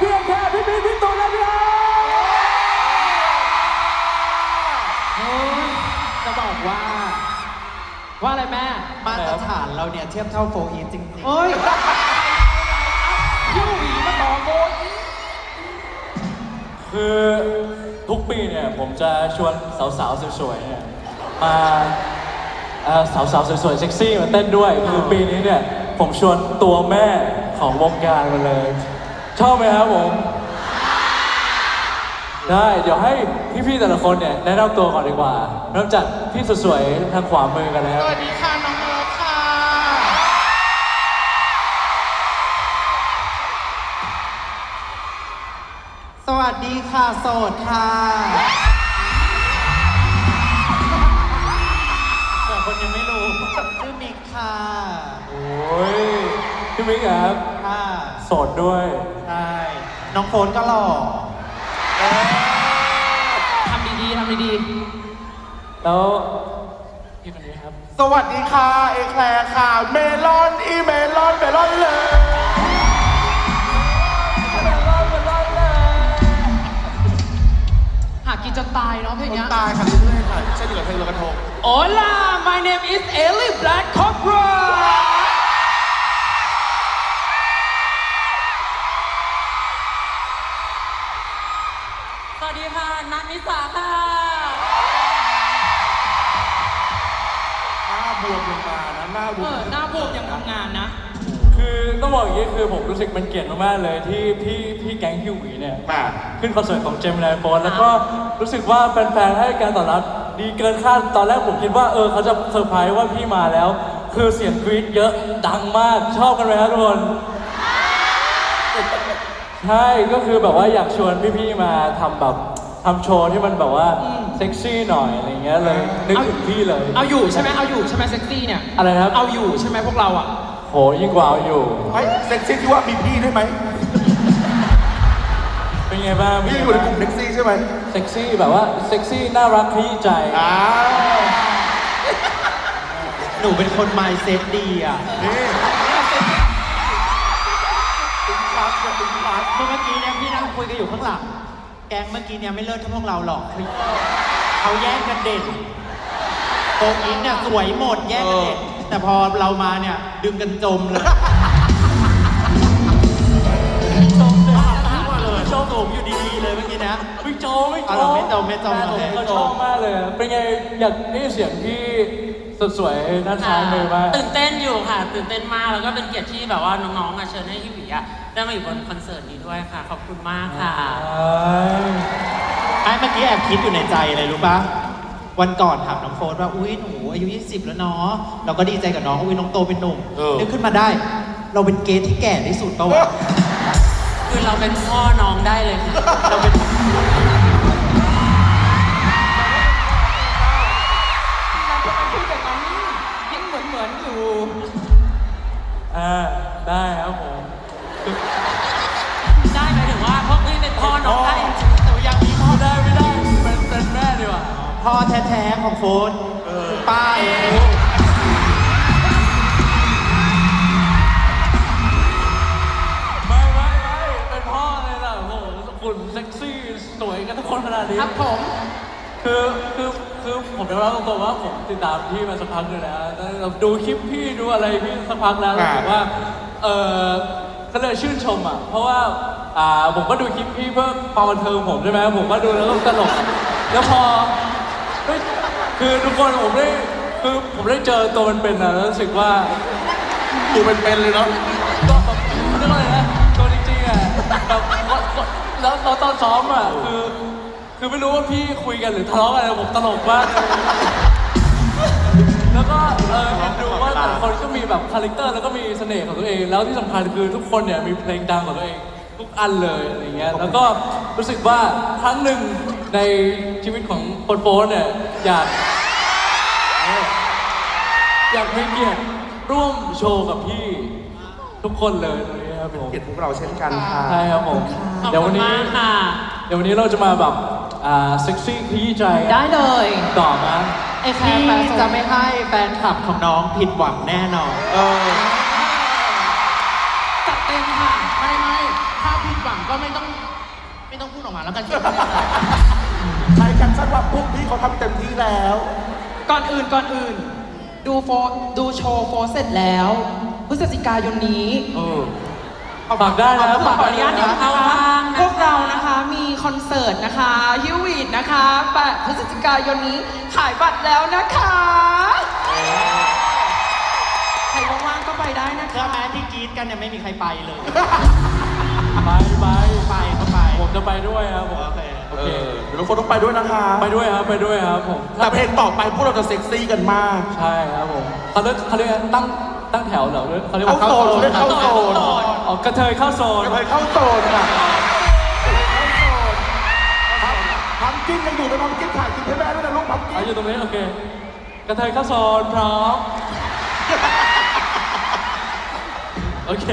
พียงแค่พี่พีพี่ตูนและพี่อาจะบอกว่าอะไรแม่มาตรฐานเราเนี่ยเทียบเท่าโฟอีฟจริงๆเฮ้ยยูวีมาต่อโฟอีฟคือทุกปีเนี่ยผมจะชวนสาวๆสวยๆเนี่ยมาสาวๆสวยๆเซ็กซี่มาเต้นด้วยคือปีนี้เนี่ยผมชวนตัวแม่ของวงการมาเลยชอบไหมครับผมได้เดี๋ยวให้พี่ๆแต่ละคนเนี่ยแนะนำตัวก่อนดีกว่าเริ่มจากพี่สวยๆทางขวามือกันเลยครับสวัสดีค่ะน้องเอิร์ธค่ะสวัสดีค่ะโสดค่ะส่วนคนยังไม่รู้ชื่อมิกค่ะโอ้ยพี่มิกครับค่ะโสดด้วยใช่น้องโฟนก็หล่อทำดีๆแล้วพี่คนนี้ครับสวัสดีค่ะเอแคลร์ค่ะเมลอนเมลอนเลยหากินจนตายเนาะเพลงนี้ตายค่ะเรื่อยๆค่ะเช่นเดียวกับเพลงลอยกระทง Hola my name is Ellie Black Cobra สวัสดีค่ะนัทนิสาค่ะหน้าบวมลงมานะหน้าบวมหน้าบวมยังทำงานนะคือต้องบอกอย่างนี้คือผมรู้สึกมันเกียรติมากๆเลยที่พี่แก๊งฮิวหวีเนี่ยขึ้นคอนเสิร์ตของเจมินายโฟนแล้วก็รู้สึกว่าแฟนๆให้การตอบรับดีเกินคาดตอนแรกผมคิดว่าเขาจะเซอร์ไพรส์ว่าพี่มาแล้วคือเสียงกรี๊ดเยอะดังมากชอบกันไหมครับทุกคนใช่ก็คือแบบว่าอยากชวนพี่ๆมาทำโชว์ที่มันแบบว่าเซ็กซี่หน่อยอะไรเงี้ยเลยนึกถึงพี่เลยเอาอยู่ใช่ไหมเซ็กซี่เนี่ยอะไรนะครับเอาอยู่ใช่ไหมพวกเราอ่ะโหยิ่งกว่าเอาอยู่เฮ้ยเซ็กซี่ที่ว่ามีพี่ได้ไหมเป็นไงบ้างพี่อยู่ในกลุ่มเซ็กซี่ใช่ไหมเซ็กซี่แบบว่าเซ็กซี่น่ารักขยี้ใจหนูเป็นคนไมซ์เซ็ตดีอ่ะนี่ตึงปักเมื่อกี้เนี่ยพี่นั่งคุยกันอยู่ข้างหลังแก๊งเมื่อกี้เนี่ยไม่เลิศเท่าพวกเราหรอกเขาแย่งกันเด่นโฟอีฟเนี่ยสวยหมดแย่งกันเด่นแต่พอเรามาเนี่ยดึงกันจมเลยโชว์สูงอยู่ดีๆเลยเมื่อกี้นะไม่โจไม่โจไม่โจเขาชอบมากเลยเป็นไงอยากได้เสียงที่สวยๆน่าทานเลยมากตื่นเต้นอยู่ค่ะตื่นเต้นมากแล้วก็เป็นเกียรติที่แบบว่าน้องๆเชิญให้ฮิวิได้มาอยู่บนคอนเสิร์ตนี้ด้วยค่ะขอบคุณมากค่ะเมื่อกี้แอบคิดอยู่ในใจเลยรู้ปะวันก่อนถามน้องโฟนว่าอุ้ยหนูอายุ20แล้วเนาะเราก็ดีใจกับน้องอุ้ยน้องโตเป็นหนุ่มนึกขึ้นมาได้เราเป็นเกย์ที่แก่ที่สุดปะวะคือเราเป็นพ่อน้องได้เลยค่ะเราเป็นยังเหมือนอยู่ได้ครับผมได้หมายถึงว่าพวกพี่เป็นพ่อน้องได้แต่ยังมีพ่อไม่ได้เป็นแม่ดีกว่าพ่อแท้ๆของโฟนป้าไม่เป็นพ่อเลยล่ะโอ้โหคุณเซ็กซี่สวยกันทุกคนขนาดนี้ครับผมคือผมจะเล่าตรงๆว่าผมติดตามพี่มาสักพักเลยนะดูคลิปพี่ดูอะไรพี่สักพักแล้วรู้สึกว่าก็เลยชื่นชมอ่ะเพราะว่าผมก็ดูคลิปพี่เพื่อความบันเทิงผมใช่ไหมผมก็ดูแล้วก็ตลกแล้วพอคือทุกคนผมได้เจอตัวเป็นๆนะแล้วรู้สึกว่าตัวเป็นๆเลยเนาะก็แบบเรียกว่าอะไรนะตัวจริงๆอ่ะแบบแล้วตอนซ้อมอ่ะคือไม่รู้ว่าพี่คุยกันหรือทะเลาะกันผมตลกมากแล้วก็เห็นดูว่าแต่ละคนก็มีแบบคาแรคเตอร์แล้วก็มีเสน่ห์ของตัวเองแล้วที่สำคัญคือทุกคนเนี่ยมีเพลงดังของตัวเองทุกอันเลยอะไรเงี้ยแล้วก็รู้สึกว่าครั้งหนึ่งในชีวิตของโฟนเนี่ยอยากมีเกียรติร่วมโชว์กับพี่ทุกคนเลยตรงนี้ครับผมเกียรติพวกเราเช่นกันค่ะใช่ครับผมเดี๋ยววันนี้เราจะมาแบบเซ็กซี่ขยี้ใจได้เลยต่อมาพี่จะไม่ให้แฟนคลับของน้องผิดหวังแน่นอนจัดเต็มค่ะไม่ถ้าผิดหวังก็ไม่ต้องต้องพูดออกมาแล้วกันใช้แคปชั่นว่าพวกพี่เขาทำเต็มที่แล้วก่อนอื่น ดูโชว์โฟร์เสร็จแล้วพฤศจิกายนนี้ฝากได้นะขออนุญาตนะนะคะพวกเรานะคะมีคอนเสิร์ตนะคะฮิววีดนะคะ8 พฤศจิกายนนี้ขายบัตรแล้วนะคะใครว่างๆก็ไปได้นะเชื่อคะไหมที่กรีดกันเนี่ยไม่มีใครไปเลยไปก็ไปผมจะไปด้วยครับผมโอเคโอเคเดี๋ยวทุกคนต้องไปด้วยนะคะไปด้วยครับผมแต่เพลงต่อไปพวกเราจะเซ็กซี่กันมากใช่ครับผมเขาเรียกตั้งแถวเหรอเขาเรียกเข้าว่าโซนเขาเรียกเข้าโซนอ๋อกระเทยเข้าโซนไปเข้าโซนค่ะพัมกินยังอยู่ในพัมกินถ่ายกินให้แม่ด้วยนะลูกพัมกินอยู่ตรงนี้โอเค กระเทยเข้าโซนพร้อม โอเค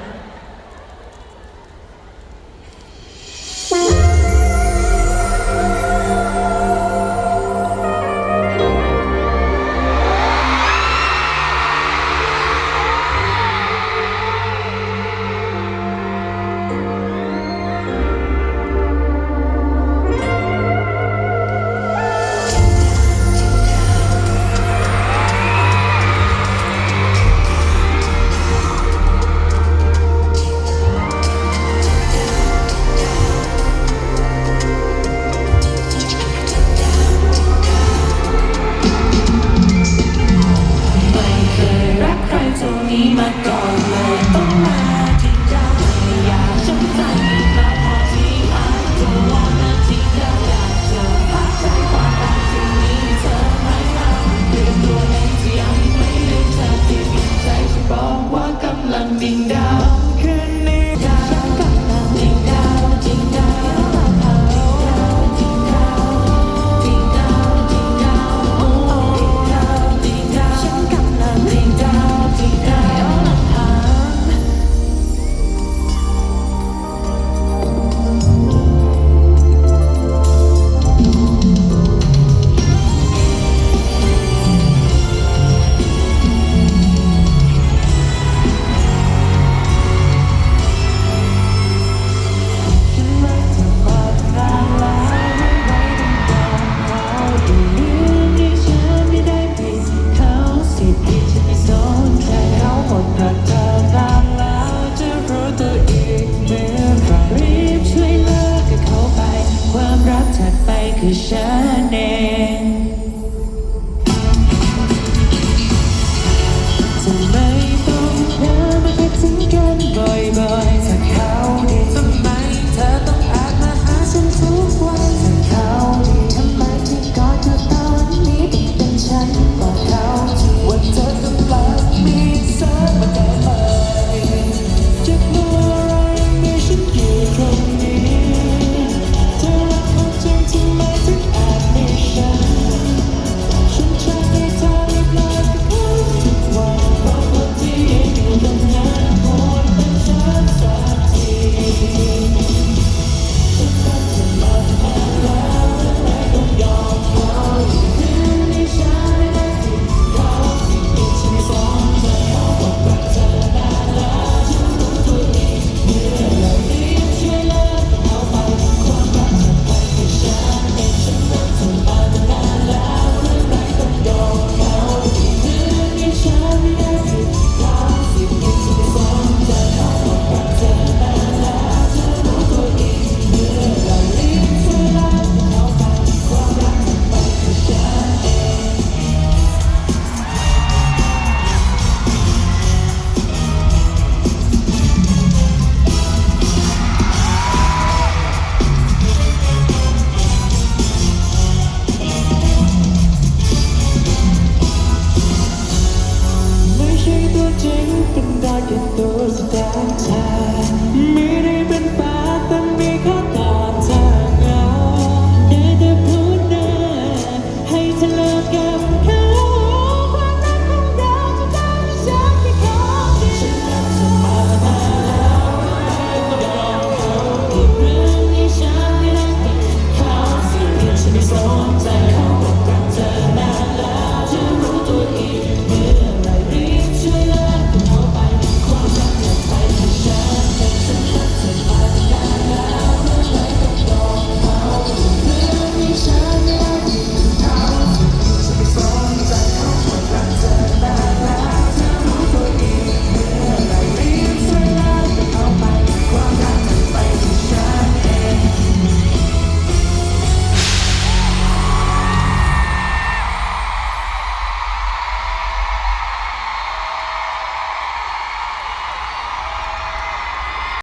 รักใครเท่านี้มาก่อนเลยต้องมาที่เจ้าไม่อยากช้ำใจมาพอที่มาตัววอนนาที่เจ้าอยากเจอพักใจความรักที่มีเธอไม่เอาเปลี่ยนตัวเองที่ยังไม่ลืมเธอที่มีใจจะบอกว่ากำลังดิ่งดาวคืนนี้ดาวฉันกำลังดิ่งดาวดิ่งดาวดิ่งดาวดิ่งดาวดิ่งดาวดิ่งดาวดิ่งดาวฉันกำลังดิ่งดาวดิ่งดาวลำพัง ฉันรักเธอมานานแล้วไม่ไหวต้องยอมเขาอยู่เรื่องที่ฉันไม่ได้ผิดเขาสิทธิ์ที่ฉันไม่สนใจเขาหมดรักเธอนานแล้วจะรู้ตัวอีกเมื่อไหรรีบช่วยเลิกกับเขาไปความรักถัดไปคือฉันเองทำไมต้องเธอมาคิดถึงกันบ่อยๆถ้าเขาดีทำไมเธอต้องแอบมาหาฉันทุกวันถ้าเขาดีทำไมที่กอดเธอตอนนี้ต้องเป็นฉันกอดเขาที่ว่าเธอกำลังมีเธอมาได้ไหมจะเมื่อไรมีฉันอยู่ตรงนี้เธอรักเขาจริงทำไมถึงแอบมีฉันจะให้เธอรีบเลิกกับเขาทุกวันเพราะคนที่อยู่ตรงนั้นควรเป็นฉันสักที ไม่ใช่ตัวจริงเป็นได้แค่ตัวแสดงเธอไม่ได้เป็นแฟนแต่มีแค่ตอนเธอเหงาได้แต่พูดนะให้เธอเลิกกับ